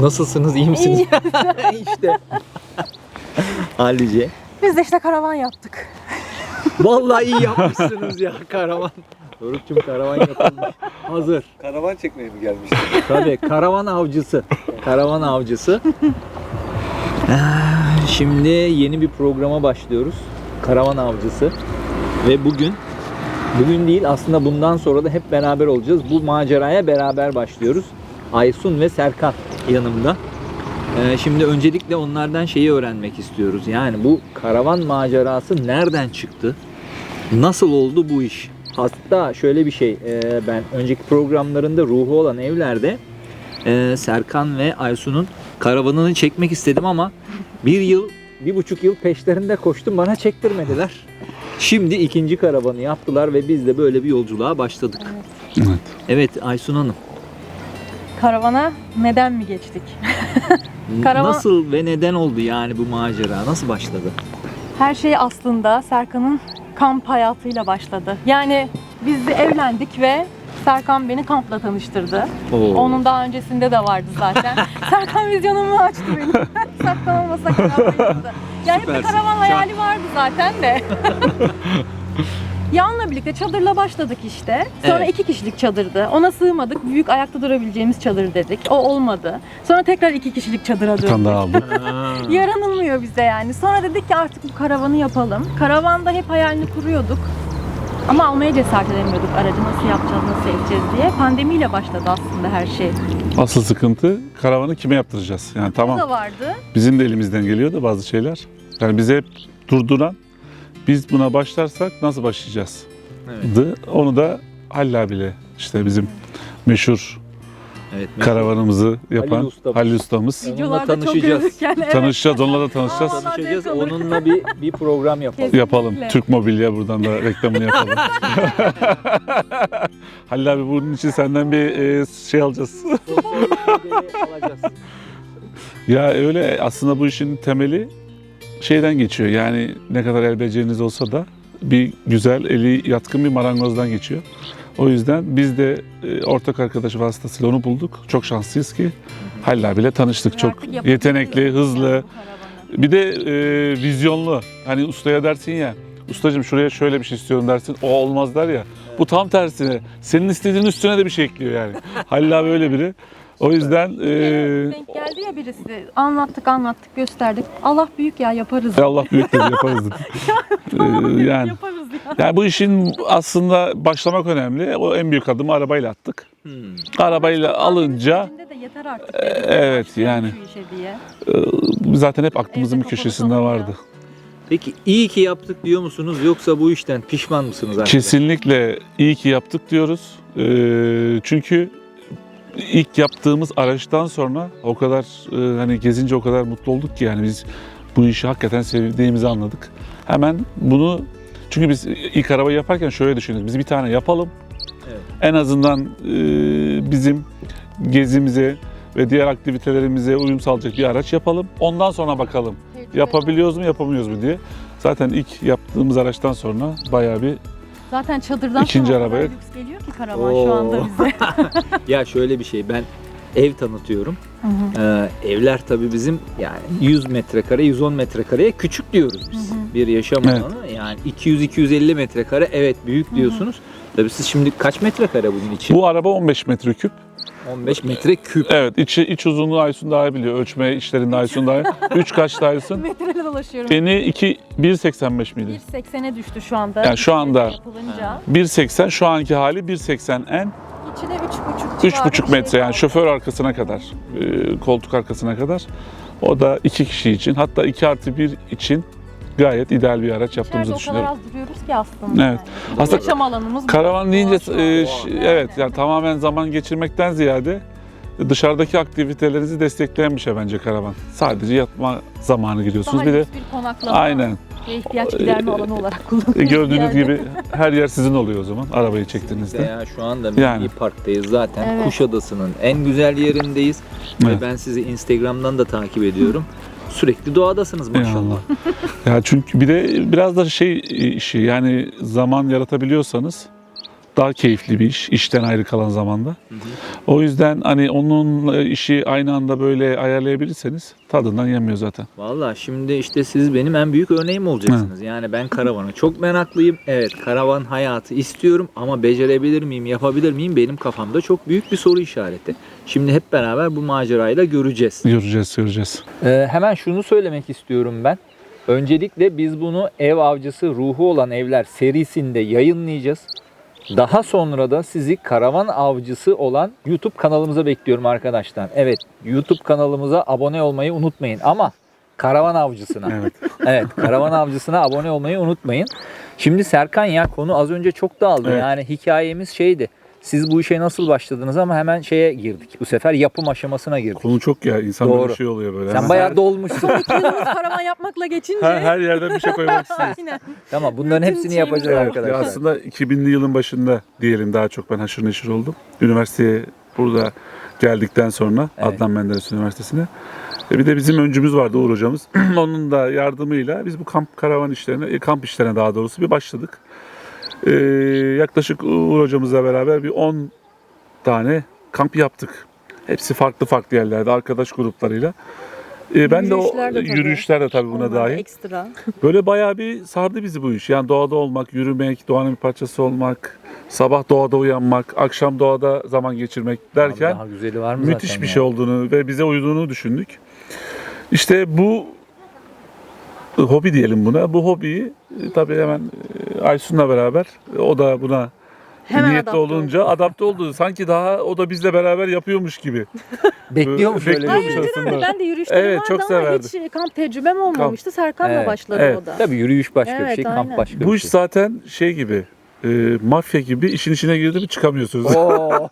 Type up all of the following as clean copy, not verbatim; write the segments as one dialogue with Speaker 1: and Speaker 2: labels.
Speaker 1: Nasılsınız? İyi misiniz? İşte. Hallice.
Speaker 2: Biz de işte karavan yaptık.
Speaker 1: Vallahi iyi yapmışsınız ya karavan. Doruk'cum karavan yapılmış. Hazır.
Speaker 3: Karavan çekmeye mi gelmiştin?
Speaker 1: Tabii karavan avcısı. Karavan avcısı. Şimdi yeni bir programa başlıyoruz. Karavan avcısı. Ve bugün değil aslında bundan sonra da hep beraber olacağız. Bu maceraya beraber başlıyoruz. Aysun ve Serkan yanımda. Şimdi öncelikle onlardan şeyi öğrenmek istiyoruz. Yani bu karavan macerası nereden çıktı? Nasıl oldu bu iş? Hatta şöyle bir şey, ben önceki programlarında Ruhu Olan Evler'de Serkan ve Aysun'un karavanını çekmek istedim ama 1,5 yıl peşlerinde koştum, bana çektirmediler. Şimdi ikinci karavanı yaptılar ve biz de böyle bir yolculuğa başladık.
Speaker 2: Evet.
Speaker 1: Evet Aysun Hanım.
Speaker 2: Karavana neden mi geçtik? Karavan-
Speaker 1: Nasıl ve neden oldu yani bu macera? Nasıl başladı?
Speaker 2: Her şey aslında Serkan'ın kamp hayatıyla başladı. Yani biz de evlendik ve Serkan beni kampla tanıştırdı.
Speaker 1: Oo.
Speaker 2: Onun daha öncesinde de vardı zaten. Serkan vizyonumu açtı benim. Saklanamasa karavan yaptı. Yani hep bir
Speaker 1: Süpersin.
Speaker 2: karavan hayali vardı zaten de. Ya onunla birlikte çadırla başladık işte. Sonra
Speaker 1: Evet.
Speaker 2: 2 kişilik çadırdı. Ona sığmadık. Büyük ayakta durabileceğimiz çadır dedik. O olmadı. Sonra tekrar 2 kişilik çadıra
Speaker 3: Bir tane
Speaker 2: döndük.
Speaker 3: daha aldık.
Speaker 2: Yaranılmıyor bize yani. Sonra dedik ki artık bu karavanı yapalım. Karavanda hep hayalini kuruyorduk. Ama almaya cesaret edemiyorduk. Aracı nasıl yapacağız, nasıl edeceğiz diye. Pandemiyle başladı aslında her şey.
Speaker 3: Asıl sıkıntı karavanı kime yaptıracağız? Yani
Speaker 2: O
Speaker 3: tamam
Speaker 2: da vardı.
Speaker 3: bizim de elimizden geliyor da bazı şeyler. Yani bizi hep durduran, biz buna başlarsak nasıl başlayacağız?
Speaker 1: Evet.
Speaker 3: Onu da Halil abiyle işte bizim meşhur
Speaker 1: Evet.
Speaker 3: karavanımızı yapan
Speaker 1: Halil ustamız.
Speaker 3: Halil ustamız.
Speaker 1: Onunla
Speaker 2: Videolarda çok
Speaker 1: tanışacağız.
Speaker 2: gördük yani. Evet.
Speaker 3: Tanışacağız, onunla da tanışacağız.
Speaker 2: Aa,
Speaker 1: Tanışacağız.
Speaker 2: zevk alır.
Speaker 1: Onunla bir program yapalım.
Speaker 2: Kesin.
Speaker 3: Yapalım.
Speaker 2: Kesinlikle.
Speaker 3: Türk Mobilya buradan da reklamını yapalım. Halil abi bunun için senden bir şey alacağız.
Speaker 1: Sosyal medyayı alacağız.
Speaker 3: Ya öyle aslında bu işin temeli şeyden geçiyor. Yani ne kadar el beceriniz olsa da bir güzel, eli yatkın bir marangozdan geçiyor. O yüzden biz de ortak arkadaşı vasıtasıyla onu bulduk. Çok şanslıyız ki Halil abiyle tanıştık. Çok
Speaker 2: Artık yapabiliyoruz
Speaker 3: yetenekli,
Speaker 2: yani
Speaker 3: hızlı.
Speaker 2: bu karavanı.
Speaker 3: Bir de vizyonlu. Hani ustaya dersin ya, ustacığım şuraya şöyle bir şey istiyorum dersin. O olmaz der ya. Bu tam tersine. Senin istediğin üstüne de bir şey ekliyor yani. Halil abi öyle biri. O yüzden
Speaker 2: Denk geldi ya birisi. Anlattık, gösterdik. Allah büyük ya, yaparız.
Speaker 3: Allah büyük dedi, yaparız dedi. Yani
Speaker 2: Yaparız ya.
Speaker 3: Yani bu işin aslında başlamak önemli. O en büyük adımı arabayla attık. Arabayla alınca
Speaker 2: İçinde de yeter artık.
Speaker 3: evet,
Speaker 2: Başlayalım
Speaker 3: yani.
Speaker 2: şu işe diye.
Speaker 3: zaten hep aklımızın
Speaker 2: Evde
Speaker 3: bir
Speaker 2: kapalı
Speaker 3: köşesinde
Speaker 2: kalınca.
Speaker 3: vardı.
Speaker 1: Peki iyi ki yaptık diyor musunuz yoksa bu işten pişman mısınız arkadaşlar?
Speaker 3: Kesinlikle iyi ki yaptık diyoruz. Çünkü ilk yaptığımız araçtan sonra o kadar hani gezince o kadar mutlu olduk ki yani biz bu işi hakikaten sevdiğimizi anladık. Hemen bunu çünkü biz ilk arabayı yaparken şöyle düşündük. Biz bir tane yapalım.
Speaker 1: Evet.
Speaker 3: En azından bizim gezimize ve diğer aktivitelerimize uyum sağlayacak bir araç yapalım. Ondan sonra bakalım yapabiliyoruz mu yapamıyoruz mu diye. Zaten ilk yaptığımız araçtan sonra bayağı bir
Speaker 2: Zaten çadırdan
Speaker 3: İkinci
Speaker 2: sonra o
Speaker 3: arabaya-
Speaker 2: kadar lüks geliyor ki karavan şu anda
Speaker 1: Oo.
Speaker 2: bize.
Speaker 1: Ya şöyle bir şey, ben ev tanıtıyorum. Evler tabii bizim yani 100 metrekare, 110 metrekareye küçük diyoruz biz. Bir yaşam
Speaker 3: Evet.
Speaker 1: alanı yani 200-250 metrekare evet büyük diyorsunuz. Tabii siz şimdi kaç metrekare bunun için?
Speaker 3: bu araba 15 metreküp.
Speaker 1: 15 metre küp.
Speaker 3: Evet, iç uzunluğu Aysun daha iyi biliyor. Ölçme işlerinde Aysun daha iyi. 3 kaçta Aysun?
Speaker 2: Metreyle dolaşıyorum.
Speaker 3: Eni 1.85 miydi?
Speaker 2: 1.80'e düştü şu anda.
Speaker 3: Yani şu anda-
Speaker 2: Yapılınca.
Speaker 3: 1.80 şu anki hali 1.80 en.
Speaker 2: İçine 3.5
Speaker 3: 3,5 metre yani şoför arkasına kadar, koltuk arkasına kadar. O da 2 kişi için hatta 2+1 için gayet ideal bir araç yaptığımızı
Speaker 2: o kadar
Speaker 3: düşünüyorum.
Speaker 2: az duruyoruz ki aslında.
Speaker 3: Evet.
Speaker 2: Yani.
Speaker 3: Aslında
Speaker 2: Yaşam alanımız bu.
Speaker 3: Karavan deyince
Speaker 2: Doğa,
Speaker 3: evet yani tamamen zaman geçirmekten ziyade dışarıdaki aktivitelerinizi destekleyen bir şey bence karavan. Sadece yatma zamanı gidiyorsunuz.
Speaker 2: Daha
Speaker 3: Bir de
Speaker 2: lüks bir konaklama
Speaker 3: aynen
Speaker 2: ve ihtiyaç giderme alanı olarak kullanıyoruz.
Speaker 3: gördüğünüz
Speaker 2: yani.
Speaker 3: gibi her yer sizin oluyor o zaman arabayı çektiğinizde.
Speaker 1: Ya şu anda Milli
Speaker 3: Yani.
Speaker 1: Park'tayız zaten.
Speaker 2: Evet.
Speaker 1: Kuşadası'nın en güzel yerindeyiz.
Speaker 3: Evet.
Speaker 1: Ve ben sizi Instagram'dan da takip ediyorum. Sürekli doğadasınız maşallah.
Speaker 3: Eyvallah. Ya çünkü bir de biraz da şey işi yani zaman yaratabiliyorsanız daha keyifli bir iş, işten ayrı kalan zamanda. O yüzden hani onun işi aynı anda böyle ayarlayabilirseniz tadından yenmiyor zaten.
Speaker 1: Vallahi şimdi işte siz benim en büyük örneğim olacaksınız. Yani ben karavana çok meraklıyım. Evet, karavan hayatı istiyorum ama becerebilir miyim, yapabilir miyim? Benim kafamda çok büyük bir soru işareti. Şimdi hep beraber bu macerayı da göreceğiz.
Speaker 3: Göreceğiz.
Speaker 1: Hemen şunu söylemek istiyorum ben. Öncelikle biz bunu ev avcısı ruhu olan evler serisinde yayınlayacağız. Daha sonra da sizi karavan avcısı olan YouTube kanalımıza bekliyorum arkadaşlar. Evet, YouTube kanalımıza abone olmayı unutmayın ama karavan avcısına.
Speaker 3: Evet.
Speaker 1: Evet, karavan avcısına abone olmayı unutmayın. Şimdi Serkan ya konu az önce çok dağıldı.
Speaker 3: Evet.
Speaker 1: Yani hikayemiz şeydi. Siz bu işe nasıl başladınız ama hemen şeye girdik. Bu sefer yapım aşamasına girdik.
Speaker 3: Konu çok ya, insan böyle
Speaker 1: Doğru.
Speaker 3: bir şey oluyor böyle.
Speaker 1: Sen
Speaker 3: Hemen
Speaker 1: bayağı dolmuşsun.
Speaker 2: Son 2 yılımız karavan yapmakla geçince.
Speaker 3: her yerden bir şey koymak istiyoruz.
Speaker 2: Aynen.
Speaker 1: Tamam, bunların
Speaker 2: Bütün
Speaker 1: hepsini
Speaker 2: şeyimiz
Speaker 1: yapacağız
Speaker 2: var.
Speaker 3: Ya
Speaker 1: arkadaşlar.
Speaker 3: aslında 2000'li yılın başında diyelim daha çok ben haşır neşir oldum. Üniversiteye burada geldikten sonra
Speaker 1: Evet.
Speaker 3: Adnan Menderes Üniversitesi'ne. Bir de bizim öncümüz vardı, Uğur hocamız. Onun da yardımıyla biz bu kamp işlerine daha doğrusu bir başladık. Yaklaşık Uğur hocamızla beraber bir 10 tane kamp yaptık. Hepsi farklı yerlerde arkadaş gruplarıyla. Ben de o
Speaker 2: Yürüyüşler de tabii.
Speaker 3: yürüyüşler de tabii buna
Speaker 2: Onlar da
Speaker 3: dahil.
Speaker 2: Ekstra.
Speaker 3: Böyle bayağı bir sardı bizi bu iş. Yani doğada olmak, yürümek, doğanın bir parçası olmak, sabah doğada uyanmak, akşam doğada zaman geçirmek derken
Speaker 1: Daha güzeli var mı
Speaker 3: müthiş
Speaker 1: zaten
Speaker 3: bir
Speaker 1: ya?
Speaker 3: şey olduğunu ve bize uyduğunu düşündük. İşte bu hobi diyelim buna. Bu hobiyi tabii hemen Aysun'la beraber o da buna
Speaker 2: Hemen
Speaker 3: niyetli
Speaker 2: adapte
Speaker 3: olunca adapte oldu. Sanki daha o da bizle beraber yapıyormuş gibi.
Speaker 1: Bekliyormuş öyle bir
Speaker 3: Bekliyormuş
Speaker 1: şey.
Speaker 3: aslında.
Speaker 2: Ben de yürüyüşlerim
Speaker 3: Evet,
Speaker 2: vardı
Speaker 3: çok
Speaker 2: ama
Speaker 3: severdim.
Speaker 2: hiç kamp tecrübem olmamıştı. Serkan'la
Speaker 1: Evet,
Speaker 2: başladı
Speaker 3: evet.
Speaker 2: o da.
Speaker 1: Tabii yürüyüş başka bir
Speaker 2: Evet,
Speaker 1: şey, kamp
Speaker 2: aynen.
Speaker 1: başka
Speaker 3: Bu
Speaker 1: bir
Speaker 3: iş
Speaker 1: şey.
Speaker 3: zaten şey gibi, mafya gibi işin içine girdi mi çıkamıyorsunuz.
Speaker 1: Oo.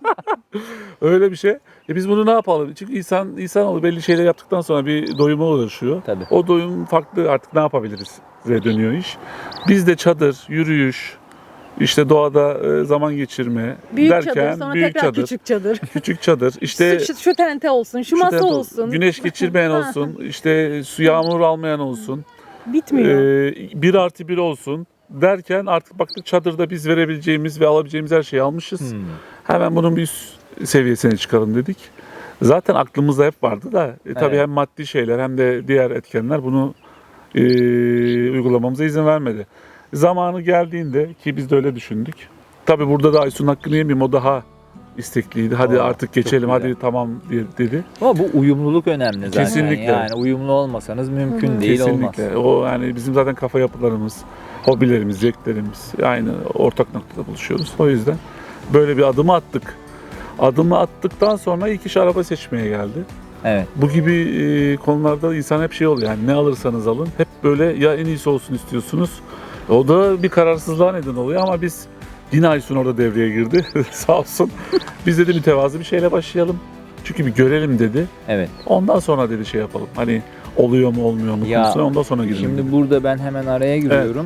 Speaker 3: Öyle bir şey. Biz bunu ne yapalım? Çünkü insanoğlu belli şeyler yaptıktan sonra bir doyuma ulaşıyor.
Speaker 1: Tabii.
Speaker 3: O doyum farklı, artık ne yapabiliriz diye dönüyor iş. Biz de çadır, yürüyüş, işte doğada zaman geçirme
Speaker 2: Büyük
Speaker 3: derken
Speaker 2: çadır, sonra
Speaker 3: büyük
Speaker 2: tekrar
Speaker 3: çadır,
Speaker 2: küçük çadır.
Speaker 3: küçük çadır, işte
Speaker 2: şu tente olsun, şu masa
Speaker 3: tente
Speaker 2: olsun.
Speaker 3: güneş geçirmeyen olsun, işte su yağmur almayan olsun,
Speaker 2: Bitmiyor.
Speaker 3: 1+1 olsun derken artık baktık çadırda biz verebileceğimiz ve alabileceğimiz her şeyi almışız.
Speaker 1: Hmm.
Speaker 3: Hemen bunun bir üst seviyesine çıkalım dedik. Zaten aklımızda hep vardı da tabii
Speaker 1: Evet.
Speaker 3: hem maddi şeyler hem de diğer etkenler bunu uygulamamıza izin vermedi. Zamanı geldiğinde ki biz de öyle düşündük. Tabii burada da Aysun'un hakkını yemeyeyim, o daha istekliydi. Hadi
Speaker 1: Oo,
Speaker 3: artık
Speaker 1: çok
Speaker 3: geçelim,
Speaker 1: güzel.
Speaker 3: hadi tamam dedi.
Speaker 1: Ama bu uyumluluk önemli zaten.
Speaker 3: Kesinlikle.
Speaker 1: Yani uyumlu olmasanız mümkün değil, olmaz.
Speaker 3: Kesinlikle. O yani bizim zaten kafa yapılarımız, hobilerimiz, zevklerimiz aynı ortak noktada buluşuyoruz. O yüzden böyle bir adımı attık. Adımı attıktan sonra ilk iş araba seçmeye geldi.
Speaker 1: Evet.
Speaker 3: Bu gibi konularda insan hep şey oluyor, yani ne alırsanız alın hep böyle ya en iyisi olsun istiyorsunuz. O da bir kararsızlığa neden oluyor ama biz yine Aysun orada devreye girdi sağ olsun. Biz dedi mütevazı bir şeyle başlayalım. Çünkü bir görelim dedi.
Speaker 1: Evet.
Speaker 3: Ondan sonra dedi şey yapalım. Hani oluyor mu olmuyor mu
Speaker 1: Ya,
Speaker 3: konusuna ondan sonra girelim.
Speaker 1: Şimdi burada ben hemen araya giriyorum.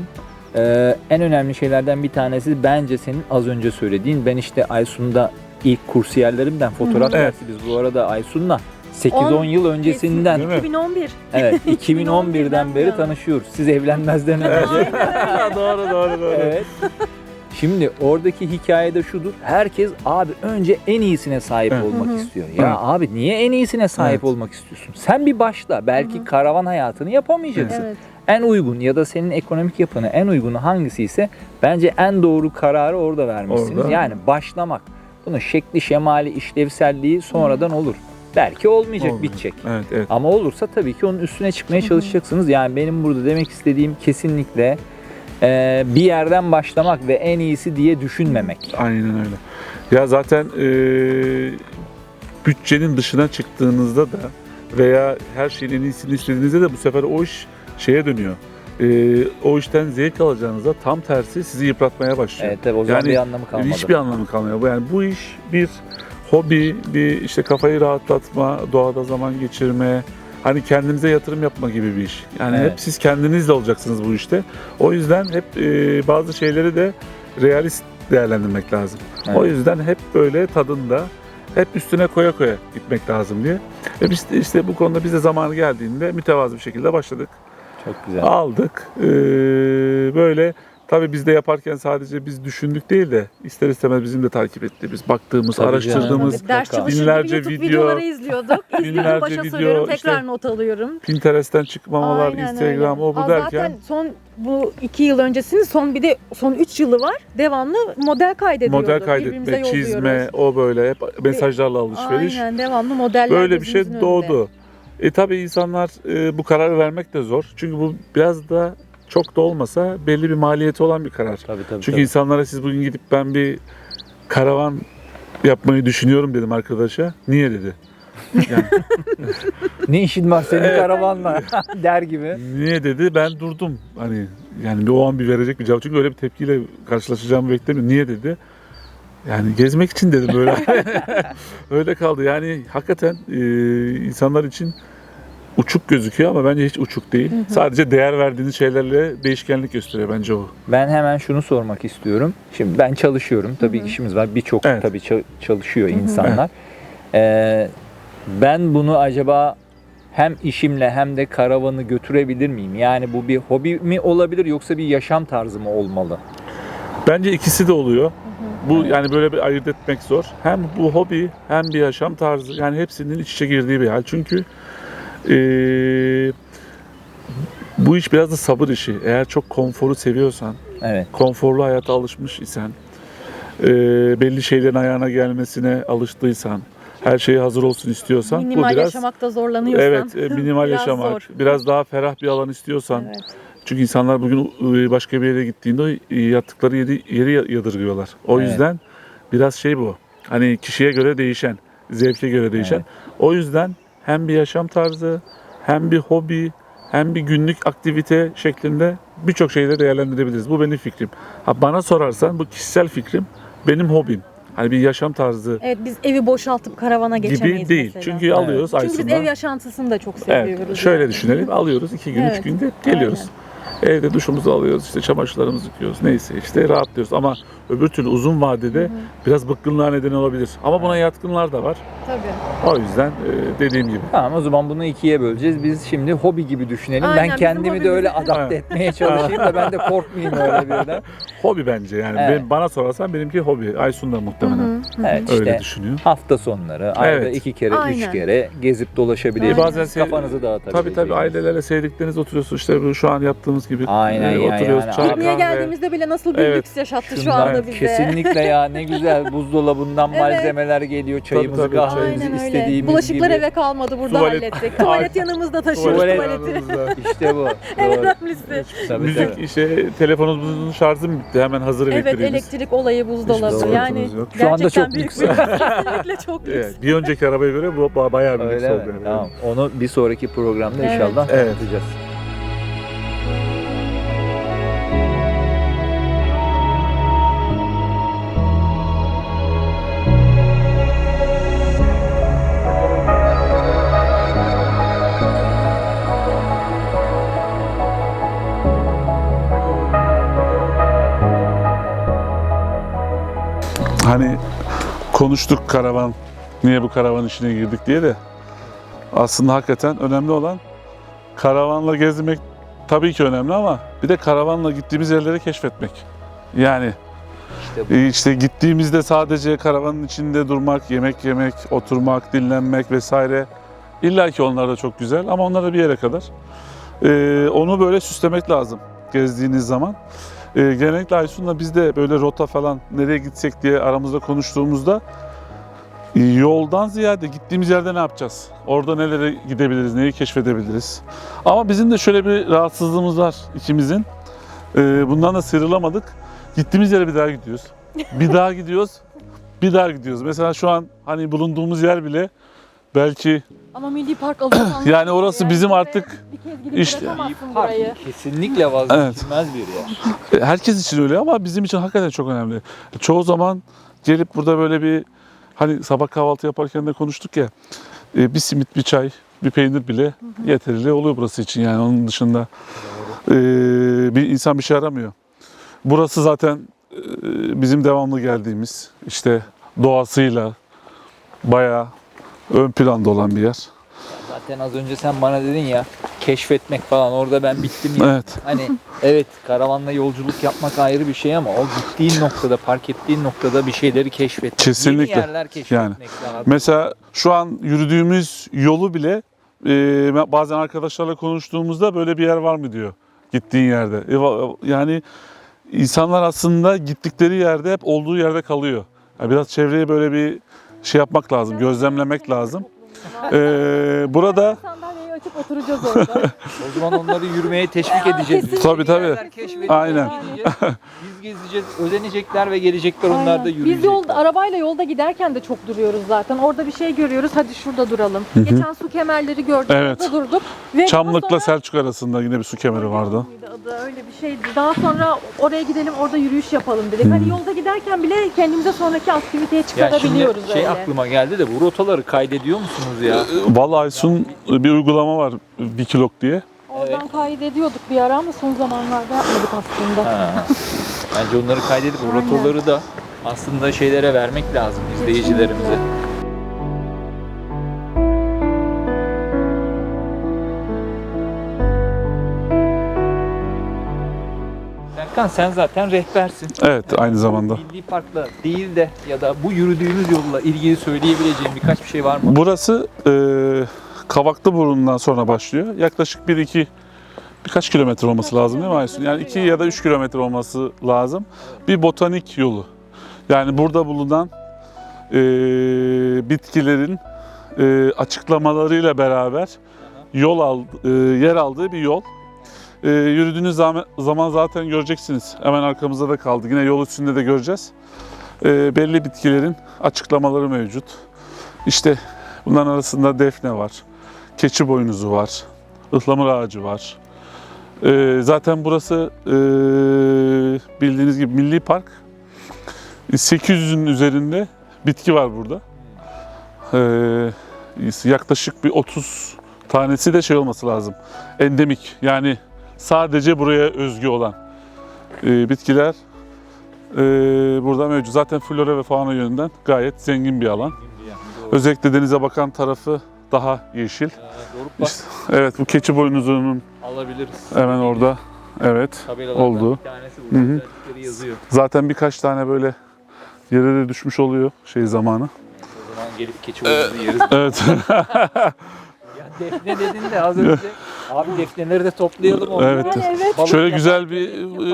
Speaker 1: En önemli şeylerden bir tanesi bence senin az önce söylediğin. Ben işte Aysun'da ilk kursiyerlerimden fotoğraf
Speaker 3: Evet.
Speaker 1: dersi biz bu arada Aysun'la 8-10 yıl öncesinden
Speaker 3: Değil mi?
Speaker 2: 2011.
Speaker 1: evet 2011'den beri
Speaker 2: bu yana.
Speaker 1: tanışıyoruz. Siz evlenmezden önce.
Speaker 3: doğru.
Speaker 1: Evet. Şimdi oradaki hikayede şudur. Herkes abi önce en iyisine sahip
Speaker 3: Evet.
Speaker 1: olmak istiyor. Ya
Speaker 3: Evet.
Speaker 1: abi niye en iyisine sahip
Speaker 3: Evet.
Speaker 1: olmak istiyorsun? Sen bir başla. Belki karavan hayatını yapamayacaksın.
Speaker 2: Evet.
Speaker 1: En uygun ya da senin ekonomik yapına en uygunu hangisi ise bence en doğru kararı orada vermişsiniz.
Speaker 3: Orada.
Speaker 1: Yani başlamak. Bunun şekli, şemali, işlevselliği sonradan olur. Belki olmayacak,
Speaker 3: Olmuyor.
Speaker 1: bitecek.
Speaker 3: Evet.
Speaker 1: Ama olursa tabii ki onun üstüne çıkmaya çalışacaksınız. Yani benim burada demek istediğim kesinlikle bir yerden başlamak ve en iyisi diye düşünmemek.
Speaker 3: Aynen öyle. Ya zaten bütçenin dışına çıktığınızda da veya her şeyin en iyisini istediğinizde de bu sefer o iş şeye dönüyor. O işten zevk alacağınızda tam tersi sizi yıpratmaya başlıyor.
Speaker 1: Evet tabii o zaman
Speaker 3: Yani
Speaker 1: bir anlamı kalmadı.
Speaker 3: Hiçbir anlamı kalmıyor. Yani bu iş bir hobi, bir işte kafayı rahatlatma, doğada zaman geçirme, hani kendinize yatırım yapma gibi bir iş. Yani
Speaker 1: Evet.
Speaker 3: hep siz kendinizle olacaksınız bu işte. O yüzden hep bazı şeyleri de realist değerlendirmek lazım.
Speaker 1: Evet.
Speaker 3: O yüzden hep böyle tadında, hep üstüne koya gitmek lazım diye. Ve biz de işte bu konuda bize zamanı geldiğinde mütevazı bir şekilde başladık.
Speaker 1: Çok güzel.
Speaker 3: Aldık. Böyle tabii biz de yaparken sadece biz düşündük değil de ister istemez bizim de takip ettiğimiz, baktığımız,
Speaker 1: Tabii
Speaker 3: araştırdığımız
Speaker 2: Tabii, ders çalışır
Speaker 3: binlerce
Speaker 2: gibi YouTube
Speaker 3: video,
Speaker 2: videoları izliyorduk. İzliyorum, başa
Speaker 3: video,
Speaker 2: soruyorum, tekrar
Speaker 3: işte
Speaker 2: not alıyorum.
Speaker 3: Pinterest'ten çıkmamalar,
Speaker 2: Aynen
Speaker 3: Instagram,
Speaker 2: öyle.
Speaker 3: o bu
Speaker 2: Aa,
Speaker 3: derken
Speaker 2: zaten son bu 2 yıl öncesinin son 3 yılı var. Devamlı model kaydediyorduk.
Speaker 3: model
Speaker 2: Birbirimize
Speaker 3: kaydetme, çizme,
Speaker 2: yolluyoruz.
Speaker 3: o böyle hep mesajlarla alışveriş.
Speaker 2: Aynen, devamlı modeller
Speaker 3: Böyle bir şey
Speaker 2: gözümüzün önünde.
Speaker 3: doğdu. Tabii insanlar bu kararı vermek de zor. Çünkü bu biraz da çok da olmasa belli bir maliyeti olan bir karar.
Speaker 1: Tabii tabii.
Speaker 3: Çünkü insanlara siz bugün gidip ben bir karavan yapmayı düşünüyorum dedim arkadaşa. Niye dedi. Yani,
Speaker 1: Ne işin var senin
Speaker 3: Evet.
Speaker 1: karavanla der gibi.
Speaker 3: niye dedi, ben durdum. Hani yani o an bir verecek bir cevap. Çünkü öyle bir tepkiyle karşılaşacağımı beklemiyorum. Niye dedi. Yani gezmek için dedim böyle. Öyle kaldı. Yani hakikaten insanlar için uçuk gözüküyor ama bence hiç uçuk değil. Sadece değer verdiğiniz şeylerle değişkenlik gösteriyor bence o.
Speaker 1: Ben hemen şunu sormak istiyorum. Şimdi ben çalışıyorum. Tabii işimiz var. Birçok
Speaker 3: Evet.
Speaker 1: tabii çalışıyor insanlar. Ben bunu acaba hem işimle hem de karavanı götürebilir miyim? Yani bu bir hobi mi olabilir yoksa bir yaşam tarzı mı olmalı?
Speaker 3: Bence ikisi de oluyor. Bu yani böyle bir ayırt etmek zor. Hem bu hobi hem bir yaşam tarzı, yani hepsinin iç içe girdiği bir hal. Çünkü bu iş biraz da sabır işi. Eğer çok konforu seviyorsan,
Speaker 1: Evet.
Speaker 3: konforlu hayata alışmış isen, belli şeylerin ayağına gelmesine alıştıysan, her şeye hazır olsun istiyorsan,
Speaker 2: Minimal
Speaker 3: bu biraz
Speaker 2: yaşamakta zorlanıyorsan.
Speaker 3: evet, minimal
Speaker 2: biraz
Speaker 3: yaşamak,
Speaker 2: zor.
Speaker 3: biraz daha ferah bir alan istiyorsan.
Speaker 2: Evet.
Speaker 3: Çünkü insanlar bugün başka bir yere gittiğinde yattıkları yeri yadırgıyorlar. O
Speaker 1: Evet.
Speaker 3: yüzden biraz şey bu. Hani kişiye göre değişen, zevke göre değişen.
Speaker 1: Evet.
Speaker 3: O yüzden hem bir yaşam tarzı, hem bir hobi, hem bir günlük aktivite şeklinde birçok şeyle değerlendirebiliriz. Bu benim fikrim. Ha, bana sorarsan bu kişisel fikrim, benim hobim. Hani bir yaşam tarzı
Speaker 2: Evet, biz evi boşaltıp karavana geçemeyiz
Speaker 3: gibi değil.
Speaker 2: mesela.
Speaker 3: Çünkü alıyoruz
Speaker 2: Çünkü biz
Speaker 3: Aysun'la.
Speaker 2: ev yaşantısını da çok seviyoruz.
Speaker 3: Evet, şöyle
Speaker 2: yani.
Speaker 3: düşünelim. Alıyoruz 2 gün, 3
Speaker 2: Evet,
Speaker 3: günde geliyoruz. Evde duşumuzu alıyoruz, işte çamaşırlarımızı yıkıyoruz. Neyse işte rahatlıyoruz. Ama öbür türlü uzun vadede biraz bıkkınlığa neden olabilir. Ama buna yatkınlar da var.
Speaker 2: Tabii.
Speaker 3: O yüzden dediğim gibi.
Speaker 1: Tamam, o zaman bunu ikiye böleceğiz. Biz şimdi hobi gibi düşünelim.
Speaker 2: Aynen,
Speaker 1: Ben
Speaker 2: bizim
Speaker 1: kendimi de öyle
Speaker 2: hobimiz.
Speaker 1: adapte etmeye çalışayım da ben de korkmayayım öyle birden.
Speaker 3: Hobi bence yani.
Speaker 1: Evet.
Speaker 3: Bana sorarsan benimki hobi. Aysun da muhtemelen
Speaker 1: Evet,
Speaker 3: öyle
Speaker 1: işte
Speaker 3: düşünüyor.
Speaker 1: hafta sonları, ayda
Speaker 3: Evet.
Speaker 1: 2 kere, 3
Speaker 2: Aynen.
Speaker 1: kere gezip dolaşabilirsiniz.
Speaker 3: Bazen
Speaker 1: Kafanızı dağıtabilirsiniz.
Speaker 3: Tabii ailelerle sevdikleriniz oturuyorsunuz. İşte bu şu an yaptığımız gibi
Speaker 1: Aynen ya,
Speaker 3: oturuyoruz.
Speaker 1: yani.
Speaker 3: Çay,
Speaker 2: Pikniğe
Speaker 3: kahve.
Speaker 2: geldiğimizde bile nasıl bir
Speaker 3: Evet.
Speaker 2: lüks yaşattı şu
Speaker 1: Şundan
Speaker 2: anda bize.
Speaker 1: kesinlikle ya, ne güzel buzdolabından
Speaker 2: Evet.
Speaker 1: malzemeler geliyor. Çayımızı,
Speaker 3: Tabii,
Speaker 1: kahvemizi
Speaker 2: Aynen öyle.
Speaker 1: istediğimiz
Speaker 2: Bulaşıklar
Speaker 1: gibi.
Speaker 2: eve kalmadı, burada
Speaker 3: Tuvalet-
Speaker 2: hallettik. Tuvalet yanımızda taşıyoruz
Speaker 1: Tuvalet-
Speaker 2: tuvaleti.
Speaker 1: İşte bu.
Speaker 2: En
Speaker 1: Doğru.
Speaker 2: önemlisi.
Speaker 1: Tabii,
Speaker 3: Müzik
Speaker 1: tabii.
Speaker 3: işte telefonumuzun şarjı mı bitti? Hemen hazır
Speaker 2: Evet,
Speaker 3: elektriğimiz.
Speaker 2: elektrik olayı, buzdolabı.
Speaker 3: Hiçbir
Speaker 2: Yani
Speaker 3: sıkıntımız yok.
Speaker 1: Şu anda
Speaker 2: gerçekten
Speaker 1: çok
Speaker 2: büyük
Speaker 1: lüks.
Speaker 2: bir kesinlikle çok lüks.
Speaker 3: Evet, bir önceki arabaya göre bu bayağı bir lüks
Speaker 1: Öyle
Speaker 3: oldu.
Speaker 1: mi?
Speaker 3: yani.
Speaker 1: Tamam. Onu bir sonraki programda
Speaker 2: Evet.
Speaker 1: inşallah
Speaker 3: Evet.
Speaker 1: anlatacağız.
Speaker 3: Hani konuştuk karavan, niye bu karavan işine girdik diye de aslında hakikaten önemli olan karavanla gezmek tabii ki önemli ama bir de karavanla gittiğimiz yerleri keşfetmek. Yani
Speaker 1: İşte bu.
Speaker 3: işte gittiğimizde sadece karavanın içinde durmak, yemek yemek, oturmak, dinlenmek vesaire illa ki onlar da çok güzel ama onlar da bir yere kadar. Onu böyle süslemek lazım gezdiğiniz zaman. Genellikle Aysun'la biz de böyle rota falan nereye gitsek diye aramızda konuştuğumuzda yoldan ziyade gittiğimiz yerde ne yapacağız? Orada nelere gidebiliriz, neyi keşfedebiliriz? Ama bizim de şöyle bir rahatsızlığımız var ikimizin. Bundan da sıyrılamadık. Gittiğimiz yere bir daha gidiyoruz. Bir daha gidiyoruz. Bir daha gidiyoruz. Mesela şu an hani bulunduğumuz yer bile belki
Speaker 2: Ama Milli Park alıyorsan
Speaker 3: yani orası bizim artık
Speaker 2: bir kez gidip
Speaker 3: işte-
Speaker 2: bırakamazsın burayı.
Speaker 1: Kesinlikle vazgeçilmez bir yer.
Speaker 3: herkes için öyle ama bizim için hakikaten çok önemli. Çoğu zaman gelip burada böyle bir hani sabah kahvaltı yaparken de konuştuk ya bir simit, bir çay, bir peynir bile yeterli oluyor burası için yani onun dışında bir insan bir şey aramıyor. Burası zaten bizim devamlı geldiğimiz işte doğasıyla bayağı ön planda olan bir yer.
Speaker 1: Zaten az önce sen bana dedin ya keşfetmek falan, orada ben bittim ya.
Speaker 3: Evet.
Speaker 1: Hani evet, karavanla yolculuk yapmak ayrı bir şey ama o gittiğin noktada, park ettiğin noktada bir şeyleri keşfetmek.
Speaker 3: Kesinlikle.
Speaker 1: Yeni yerler keşfetmek lazım.
Speaker 3: Mesela şu an yürüdüğümüz yolu bile bazen arkadaşlarla konuştuğumuzda böyle bir yer var mı diyor gittiğin yerde. Yani insanlar aslında gittikleri yerde hep olduğu yerde kalıyor. Yani biraz çevreye böyle bir şey yapmak lazım, gözlemlemek lazım. Burada
Speaker 2: Sandalyeyi açıp oturacağız orada.
Speaker 1: O zaman onları yürümeye teşvik edeceğiz.
Speaker 2: kesinlikle.
Speaker 3: Tabii.
Speaker 1: Yerler keşfedeceğiz,
Speaker 3: Aynen.
Speaker 1: gideceğiz. Biz gezeceğiz, özenecekler ve gelecekler, onlar da
Speaker 2: Aynen.
Speaker 1: yürüyecekler.
Speaker 2: Biz yolda, arabayla yolda giderken de çok duruyoruz zaten. Orada bir şey görüyoruz, hadi şurada duralım. Geçen su kemerleri gördük,
Speaker 3: Evet.
Speaker 2: orada durduk. Ve
Speaker 3: Çamlık'la
Speaker 2: daha sonra-
Speaker 3: Selçuk arasında yine bir su kemeri vardı.
Speaker 2: Adı öyle bir şeydi. Daha sonra oraya gidelim, orada yürüyüş yapalım dedik. Hani yolda giderken bile kendimize sonraki aktiviteye
Speaker 1: Ya şimdi
Speaker 2: çıkarabiliyoruz öyle.
Speaker 1: aklıma geldi de, bu rotaları kaydediyor musunuz ya?
Speaker 3: Vallahi Aysun bir uygulama var, Wikilog diye.
Speaker 2: Oradan kaydediyorduk bir ara ama son zamanlarda yapmadık aslında.
Speaker 1: Ha. Bence onları kaydedip o
Speaker 2: Aynen.
Speaker 1: rotaları da aslında şeylere vermek lazım, izleyicilerimize. Serkan, sen zaten rehbersin.
Speaker 3: Evet, aynı zamanda.
Speaker 1: Milli Park'la değil de ya da bu yürüdüğümüz yolla ilgili söyleyebileceğim birkaç bir şey var mı?
Speaker 3: Burası Kavaklıburnu'ndan sonra başlıyor. Yaklaşık birkaç kilometre olması lazım değil mi Aysun? Yani 2 ya da 3 kilometre olması lazım. Bir botanik yolu. Yani burada bulunan bitkilerin açıklamalarıyla beraber yer aldığı bir yol. Yürüdüğünüz zaman zaten göreceksiniz. Hemen arkamızda da kaldı. Yine yol üstünde de göreceğiz. Belli bitkilerin açıklamaları mevcut. İşte bunların arasında defne var, keçi boynuzu var, ıhlamur ağacı var. Zaten burası bildiğiniz gibi milli park. 800'ün üzerinde bitki var burada. Yaklaşık bir 30 tanesi de şey olması lazım. Endemik, yani sadece buraya özgü olan bitkiler burada mevcut. Zaten flora ve fauna yönünden gayet zengin bir alan. Özellikle denize bakan tarafı daha yeşil.
Speaker 1: Doruk bak,
Speaker 3: İşte, evet, bu keçi boynuzunun
Speaker 1: alabiliriz.
Speaker 3: hemen orada. Evet,
Speaker 1: Tabelalardan
Speaker 3: oldu.
Speaker 1: bir tanesi
Speaker 3: Hı
Speaker 1: burada,
Speaker 3: hı.
Speaker 1: özellikleri yazıyor.
Speaker 3: Zaten birkaç tane böyle yere de düşmüş oluyor zamanı.
Speaker 1: O zaman gelip keçi boynuzu yeriz.
Speaker 3: Evet.
Speaker 1: Ya defne dedin de az önce. Abi defneleri de toplayalım. orada.
Speaker 3: Evet.
Speaker 2: Yani evet.
Speaker 1: Balık
Speaker 3: Şöyle
Speaker 1: yapan-
Speaker 3: güzel bir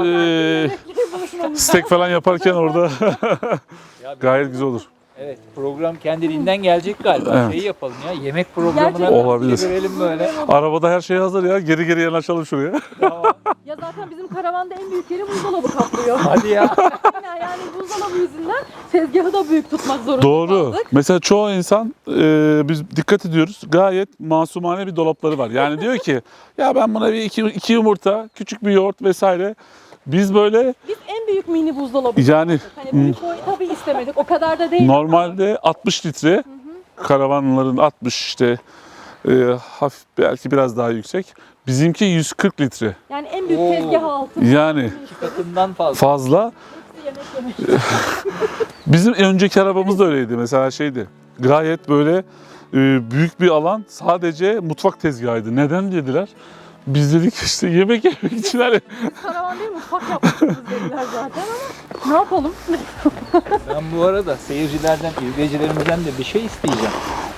Speaker 3: steak falan yaparken orada
Speaker 1: Ya
Speaker 3: gayet güzel olur.
Speaker 1: Evet, program kendiliğinden gelecek galiba.
Speaker 3: Evet.
Speaker 1: Şey yapalım ya, yemek programına
Speaker 2: Gerçekten.
Speaker 3: Olabilir.
Speaker 1: çevirelim böyle.
Speaker 3: Arabada her şey hazır ya. Geri yanaşalım şuraya.
Speaker 1: Tamam.
Speaker 2: Ya zaten bizim karavanda en büyük yeri buzdolabı kaplıyor.
Speaker 1: Hadi ya.
Speaker 2: Aynen, yani buzdolabı yüzünden tezgahı da büyük tutmak zorunda
Speaker 3: Doğru.
Speaker 2: kaldık.
Speaker 3: Mesela çoğu insan biz dikkat ediyoruz. Gayet masumane bir dolapları var. Yani diyor ki ya ben buna bir iki yumurta, küçük bir yoğurt vesaire. Biz böyle
Speaker 2: Biz en büyük mini buzdolabı
Speaker 3: yani
Speaker 2: yaptık. Hani büyük boy tabii istemedik. O kadar da değil.
Speaker 3: normalde 60 litre karavanların 60 işte hafif belki biraz daha yüksek. Bizimki 140 litre.
Speaker 2: Yani en büyük
Speaker 1: Oo.
Speaker 2: tezgah altı.
Speaker 3: Yani
Speaker 1: Katından fazla.
Speaker 3: fazla.
Speaker 2: Yemek.
Speaker 3: Bizim önceki arabamız da öyleydi. Mesela şeydi. Gayet böyle büyük bir alan, sadece mutfak tezgahıydı. Neden dediler? Biz dedik işte yemek için hani.
Speaker 2: Karavan değil mutfak yapmışız dediler zaten ama ne yapalım?
Speaker 1: Ben bu arada seyircilerden, izleyicilerimizden de bir şey isteyeceğim.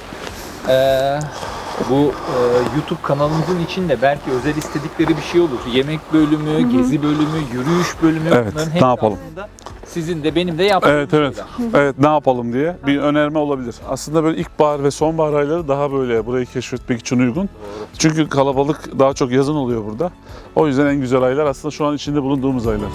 Speaker 1: Bu YouTube kanalımızın içinde belki özel istedikleri bir şey olur. Yemek bölümü, gezi bölümü, yürüyüş bölümü.
Speaker 3: Evet,
Speaker 1: Bunların
Speaker 3: ne
Speaker 1: hepsi
Speaker 3: yapalım?
Speaker 1: aslında sizin de benim de yaptığım
Speaker 3: Evet evet.
Speaker 1: şeyler.
Speaker 3: Evet, ne yapalım diye bir önerme olabilir. Aslında böyle ilkbahar ve sonbahar ayları daha böyle burayı keşfetmek için uygun. Çünkü kalabalık daha çok yazın oluyor burada. O yüzden en güzel aylar aslında şu an içinde bulunduğumuz aylar.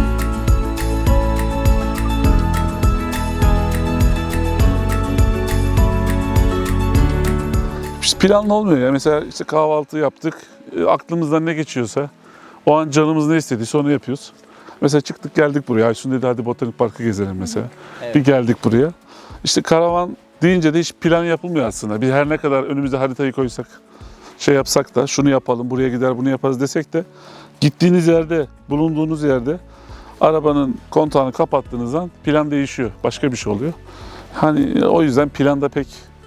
Speaker 3: İşte planlı olmuyor ya. Mesela işte kahvaltı yaptık. Aklımızdan ne geçiyorsa, o an canımız ne istediyse onu yapıyoruz. Mesela çıktık geldik buraya. Aysun dedi hadi botanik parkı gezelim mesela.
Speaker 1: Evet.
Speaker 3: Bir geldik buraya. İşte karavan deyince de hiç plan yapılmıyor aslında. Biz her ne kadar önümüze haritayı koysak, şey yapsak da şunu yapalım, buraya gider bunu yaparız desek de gittiğiniz yerde, bulunduğunuz yerde arabanın kontağını kapattığınız an plan değişiyor. Başka bir şey oluyor. Hani o yüzden planda pek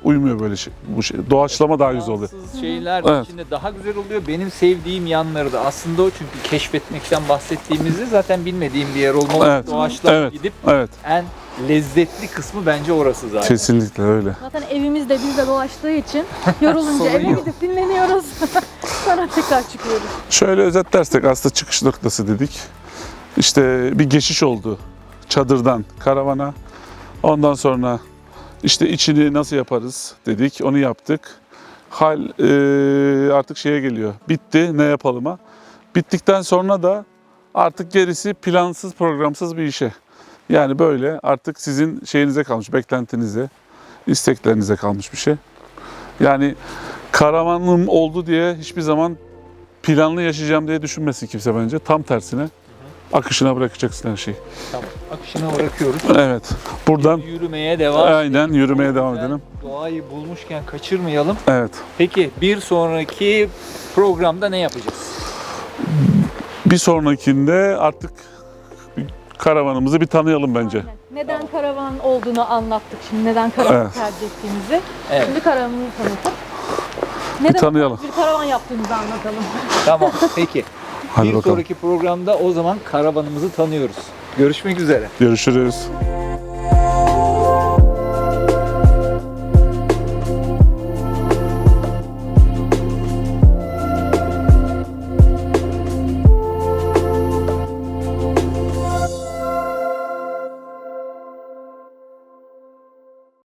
Speaker 3: uymuyor böyle şey. Bu şey. Doğaçlama daha güzel oluyor.
Speaker 1: Fransız şeyler
Speaker 3: Evet.
Speaker 1: içinde daha güzel oluyor. Benim sevdiğim yanları da aslında o, çünkü keşfetmekten bahsettiğimizde zaten bilmediğim bir yer olmalı.
Speaker 3: Evet.
Speaker 1: Doğaçlama
Speaker 3: Evet.
Speaker 1: gidip
Speaker 3: Evet.
Speaker 1: en lezzetli kısmı bence orası zaten.
Speaker 3: Kesinlikle öyle.
Speaker 2: Zaten evimizde bizde dolaştığı için yorulunca eve
Speaker 1: Sorun yok.
Speaker 2: gidip dinleniyoruz. Sonra tekrar çıkıyoruz.
Speaker 3: Şöyle özetlersek aslında çıkış noktası dedik. İşte bir geçiş oldu çadırdan karavana. Ondan sonra işte içini nasıl yaparız dedik, onu yaptık. Hal artık şeye geliyor, bitti, ne yapalıma. Bittikten sonra da artık gerisi plansız, programsız bir işe. Yani böyle artık sizin şeyinize kalmış, beklentinize, isteklerinize kalmış bir şey. Yani karavanım oldu diye hiçbir zaman planlı yaşayacağım diye düşünmesin kimse bence. Tam tersine akışına bırakacaksın her şeyi.
Speaker 1: Tamam. Akışına bırakıyoruz.
Speaker 3: Evet. Buradan
Speaker 1: Yürümeye devam.
Speaker 3: aynen yürümeye devam
Speaker 1: Güzel.
Speaker 3: edelim.
Speaker 1: Doğayı bulmuşken kaçırmayalım.
Speaker 3: Evet.
Speaker 1: Peki bir sonraki programda ne yapacağız?
Speaker 3: Bir sonrakinde artık karavanımızı bir tanıyalım bence.
Speaker 2: Aynen. Neden karavan olduğunu anlattık şimdi. Neden karavan
Speaker 3: Evet.
Speaker 2: tercih ettiğimizi.
Speaker 1: Evet.
Speaker 2: Şimdi karavanımızı tanıtıp neden
Speaker 3: tanıyalım.
Speaker 2: bir karavan yaptığımızı anlatalım.
Speaker 1: Tamam. Peki.
Speaker 3: Hadi
Speaker 1: bir
Speaker 3: bakalım.
Speaker 1: sonraki programda o zaman karavanımızı tanıyoruz. Görüşmek üzere.
Speaker 3: Görüşürüz.